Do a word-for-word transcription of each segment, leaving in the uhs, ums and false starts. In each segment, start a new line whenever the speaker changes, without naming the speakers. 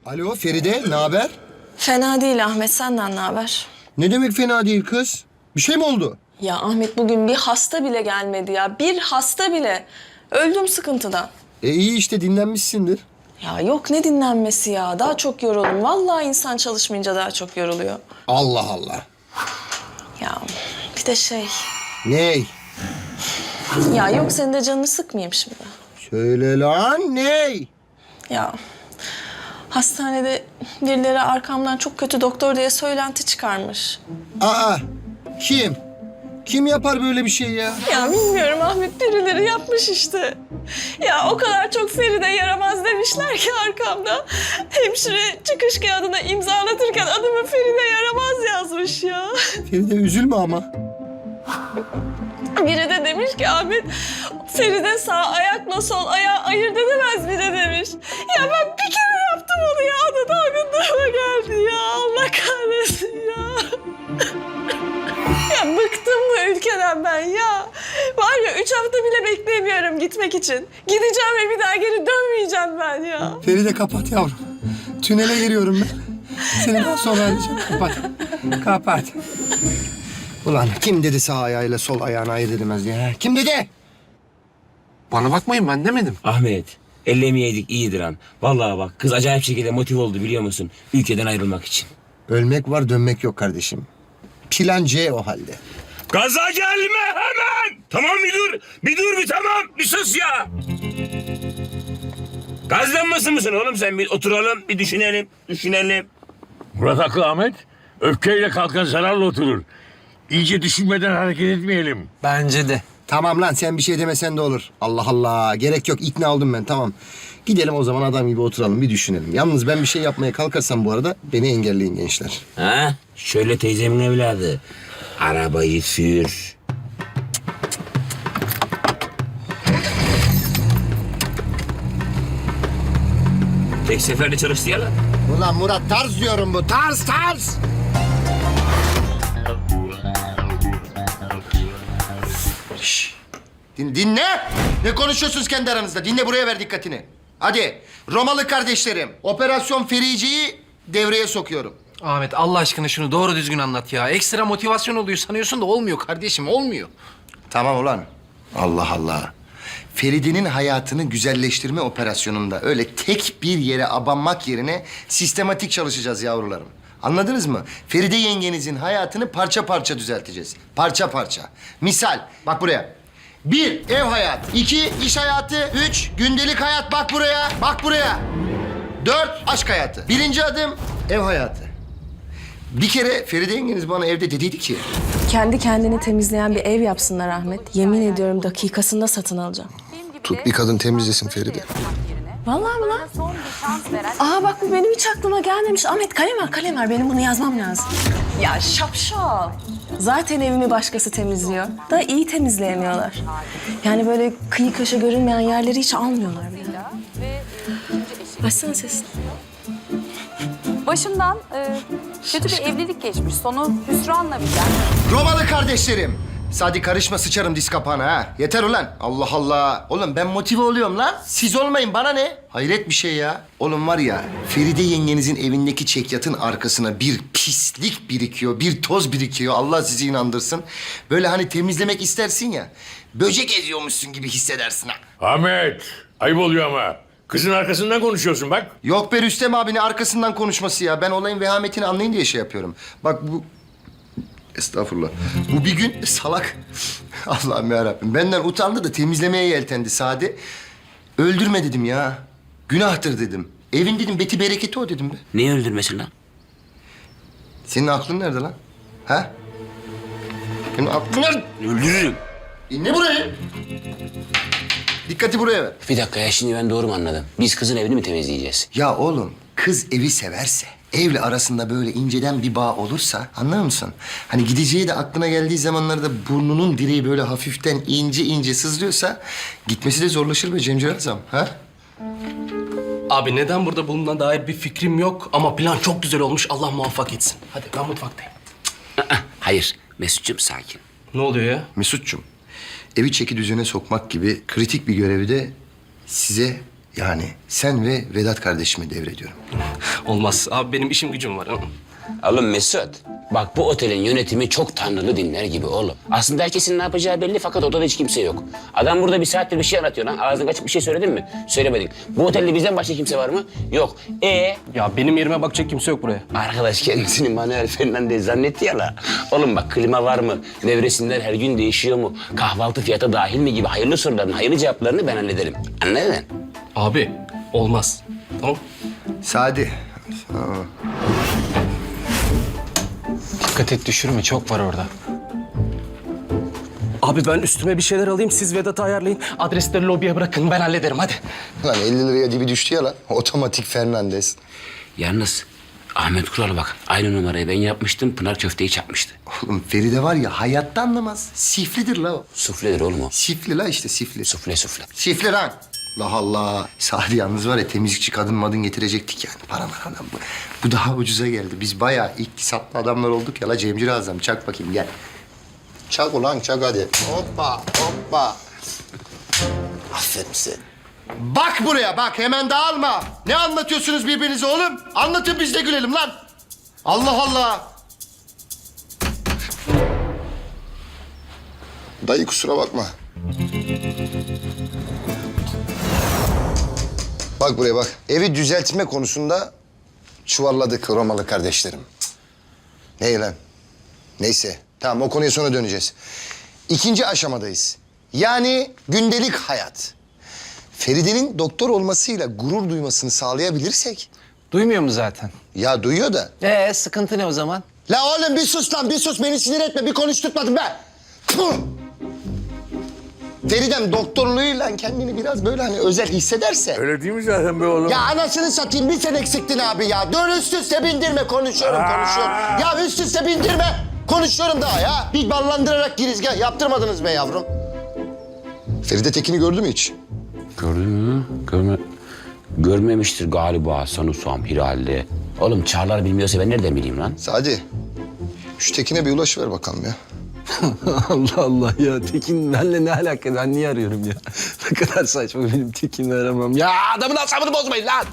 Alo Feride, ne haber?
Fena değil Ahmet, senden ne haber?
Ne demek fena değil kız? Bir şey mi oldu?
Ya Ahmet bugün bir hasta bile gelmedi ya. Bir hasta bile. Öldüm sıkıntıdan.
E iyi işte dinlenmişsindir.
Ya yok ne dinlenmesi ya. Daha çok yoruldum. Vallahi insan çalışmayınca daha çok yoruluyor.
Allah Allah.
Ya bir de şey...
Ney?
Ya yok senin de canını sıkmayayım şimdi.
Söyle lan ney?
Ya hastanede birileri arkamdan çok kötü doktor diye söylenti çıkarmış.
Aa, kim? Kim yapar böyle bir şey ya?
Ya bilmiyorum Ahmet, birileri yapmış işte. Ya o kadar çok Feride yaramaz demişler ki arkamda. Hemşire çıkış kağıdına imzalatırken adımı Feride yaramaz yazmış ya.
Feride üzülme ama.
Biri de demiş ki Ahmet, Feride sağ ayakla sol ayağı ayırt edemez bile demiş. Ya ben bir kere yaptım onu ya, o da dalgınlığıma geldi ya. Allah kahretsin ya. Ya bıktım bu ülkeden ben ya. Var ya üç hafta bile beklemiyorum gitmek için. Gideceğim ve bir daha geri dönmeyeceğim ben ya.
Feride kapat yavrum. Tünele giriyorum ben. Seni daha sonra arayacağım. Kapat. Kapat. Ulan kim dedi sağ ayağıyla sol ayağını ayırt edemez diye? ha? Kim dedi?
Bana bakmayın, ben demedim.
Ahmet, ellemeyeydik iyidir han. Vallahi bak kız acayip şekilde motive oldu biliyor musun? Ülkeden ayrılmak için.
Ölmek var dönmek yok kardeşim. Plan C o halde.
Gaza gelme hemen! Tamam bir dur, bir dur bir tamam, bir sus ya! Gazlanmasın mısın oğlum sen? Bir oturalım, bir düşünelim, düşünelim.
Murat haklı Ahmet. Öfkeyle kalkan zararla oturur. İyice düşünmeden hareket etmeyelim.
Bence de.
Tamam lan sen bir şey demesen de olur. Allah Allah gerek yok ikna oldum ben tamam. Gidelim o zaman adam gibi oturalım bir düşünelim. Yalnız ben bir şey yapmaya kalkarsam bu arada beni engelleyin gençler.
Ha? Şöyle teyzemin evladı. Arabayı sür. Tek seferde çalıştı ya lan.
Ulan Murat tarz diyorum bu tarz tarz. Şş, din, dinle. Ne konuşuyorsunuz kendi aranızda? Dinle buraya ver dikkatini. Hadi Romalı kardeşlerim Operasyon Ferici'yi devreye sokuyorum.
Ahmet Allah aşkına şunu doğru düzgün anlat ya. Ekstra motivasyon oluyor sanıyorsun da olmuyor kardeşim, olmuyor.
Tamam ulan. Allah Allah. Feride'nin hayatını güzelleştirme operasyonunda öyle tek bir yere abanmak yerine sistematik çalışacağız yavrularım. Anladınız mı? Feride yengenizin hayatını parça parça düzelteceğiz. Parça parça. Misal bak buraya. Bir, ev hayatı. İki, iş hayatı. Üç, gündelik hayat. Bak buraya. Bak buraya. Dört, aşk hayatı. Birinci adım ev hayatı. Bir kere Feride yengeniz bana evde dediydi ki...
Kendi kendini temizleyen bir ev yapsınlar Ahmet. Yemin ediyorum dakikasında satın alacağım.
Tut bir kadın temizlesin Feride.
Vallahi mi lan? Aa bak bu benim hiç aklıma gelmemiş. Ahmet kalem ver, kalem ver. Benim bunu yazmam lazım. Ya şapşal. Zaten evimi başkası temizliyor. Da iyi temizleyemiyorlar. Yani böyle kıyı köşe görünmeyen yerleri hiç almıyorlar bile. Açsana sesini.
Başımdan e, kötü bir evlilik geçmiş. Sonu hüsranla biten.
Romalı kardeşlerim. Sadi karışma sıçarım diz kapağına ha. Yeter ulan. Allah Allah. Oğlum ben motive oluyorum lan. Siz olmayın bana ne? Hayret bir şey ya. Oğlum var ya Feride yengenizin evindeki çekyatın arkasına bir pislik birikiyor. Bir toz birikiyor. Allah sizi inandırsın. Böyle hani temizlemek istersin ya. Böcek eziyormuşsun gibi hissedersin ha.
Ahmet, ayıp oluyor ama. Kızın arkasından konuşuyorsun bak.
Yok be Rüstem abinin arkasından konuşması ya. Ben olayın vehametini anlayın diye şey yapıyorum. Bak bu... Estağfurullah. Bu bir gün salak... Allah'ım yarabbim. Benden utandı da temizlemeye yeltendi Sadi. Öldürme dedim ya. Günahtır dedim. Evin dedim beti bereketi o dedim be.
Neyi öldürmesin lan?
Senin aklın nerede lan? Ha? Senin aklın nerede?
Öldürürüm.
İnle buraya. Dikkati buraya ver.
Bir dakika ya şimdi ben doğru mu anladım? Biz kızın evini mi temizleyeceğiz?
Ya oğlum kız evi severse, evle arasında böyle inceden bir bağ olursa anlar mısın? Hani gideceği de aklına geldiği zamanlarda burnunun direği böyle hafiften ince ince sızlıyorsa gitmesi de zorlaşır be Cemcir Azam. Ha?
Abi neden burada bulunduğuna dair bir fikrim yok ama plan çok güzel olmuş. Allah muvaffak etsin. Hadi ben mutfaktayım.
Hayır Mesut'cum sakin.
Ne oluyor ya?
Mesut'cum, evi çeki düzene sokmak gibi kritik bir görevi de size Yani sen ve Vedat kardeşime devrediyorum.
Olmaz. Abi benim işim gücüm var.
Oğlum Mesut, bak bu otelin yönetimi çok tanrılı dinler gibi oğlum. Aslında herkesin ne yapacağı belli fakat odada hiç kimse yok. Adam burada bir saattir bir şey anlatıyor lan. Ağzını açık bir şey söyledin mi? Söylemedin. Bu otelde bizden başka kimse var mı? Yok. E
Ya benim yerime bakacak kimse yok buraya.
arkadaş kendisini Manuel Fernandez zannetti ya la. Oğlum bak klima var mı? Nevresimler her gün değişiyor mu? Kahvaltı fiyata dahil mi gibi hayırlı soruların hayırlı cevaplarını ben hallederim. Anladın?
Abi olmaz. Tamam.
Sadi.
Dikkat et düşürme, çok var orada.
Abi ben üstüme bir şeyler alayım. Siz Vedat'ı ayarlayın. Adresleri lobiye bırakın. Ben hallederim hadi.
Lan elli liraya dibi düştü ya lan. Otomatik Fernandez.
Yalnız Ahmet Kural bak aynı numarayı ben yapmıştım. Pınar köfteyi çakmıştı.
Oğlum Feride var ya hayatta anlamaz. Siflidir la o.
Sufledir oğlum o.
Sifli la işte sifli.
Sufle sufle.
Sifli lan. Allah Allah. Sadi yalnız var ya temizlikçi kadın madın getirecektik yani. Para var adam bu. Bu daha ucuza geldi. Biz bayağı iktisatlı adamlar olduk ya la Cemcir Azam. Çak bakayım gel. Çak ulan çak hadi. Hoppa hoppa. Aferin sen. Bak buraya bak hemen dağılma. Ne anlatıyorsunuz birbirinize oğlum? Anlatın biz de gülelim lan. Allah Allah. Dayı kusura bakma. Bak buraya bak. Evi düzeltme konusunda çuvalladık Romalı kardeşlerim. Ne lan? Neyse. Tamam o konuya sonra döneceğiz. İkinci aşamadayız. Yani gündelik hayat. Feride'nin doktor olmasıyla gurur duymasını sağlayabilirsek...
Duymuyor mu zaten?
Ya duyuyor da.
Ee sıkıntı ne o zaman?
La oğlum bir sus lan bir sus beni sinir etme bir konuşturtmadın be. Tüh! Feridem doktorluğuyla kendini biraz böyle hani özel hissederse...
Öyle değil mi zaten be oğlum?
Ya anasını satayım bir sen eksiktin abi ya. Dur üst üste bindirme konuşuyorum konuşuyorum. Ya üst üste bindirme konuşuyorum daha ya. Bir ballandırarak girizgah yaptırmadınız be yavrum. Feride Tekin'i gördü mü hiç?
Gördün mü? Görme... Görmemiştir galiba sanırsam herhalde. Oğlum Çağlar bilmiyorsa ben nereden bileyim lan?
Sadi şu Tekin'e bir ulaş ver bakalım ya.
Allah Allah ya, Tekin benimle ne alaka? Ben niye arıyorum ya? Ne kadar saçma, benim Tekin'i aramam. Ya adamın asabını bozmayın lan!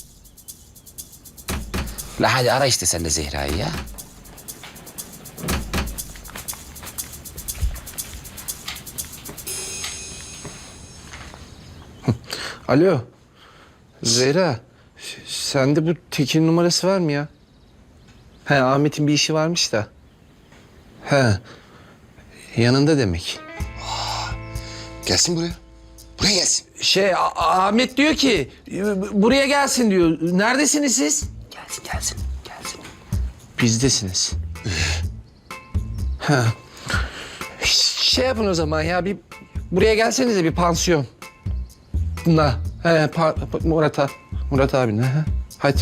La hadi ara işte sen de Zehra'yı ya.
Alo, Zehra. Sende bu Tekin numarası var mı ya? He, Ahmet'in bir işi varmış da. He, yanında demek.
Gelsin buraya. Buraya gelsin.
Şey, A- Ahmet diyor ki, buraya gelsin diyor. Neredesiniz siz?
Gelsin gelsin gelsin.
Bizdesiniz. Ha. Şey yapın o zaman ya, bir buraya gelsenize bir pansiyon. Na, he, pa, pa- Murat abi, Murat abine. He. Hadi.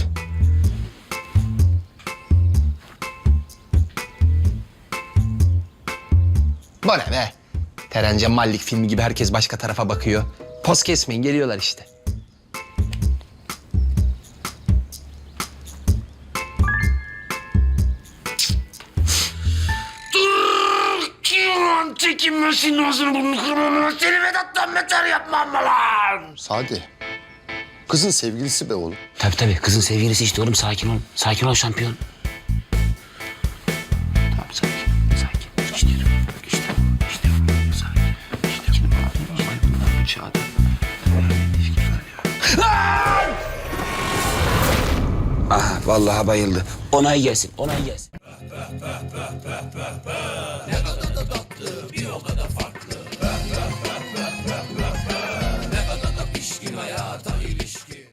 Bu ne be? Teren Cemallik filmi gibi herkes başka tarafa bakıyor. Poz kesmeyin, geliyorlar işte.
Çekinmesin ağzını burnunu kırmamı. Seni Vedat'tan beter yapmam lan.
Sadi. Kızın sevgilisi be oğlum.
Tabii tabii kızın sevgilisi işte oğlum sakin ol. Sakin ol şampiyon. Tamam sakin sakin. İşte işte işte sakin. İşte bu çağda. Ah vallahi bayıldı. Onay gelsin onay gelsin.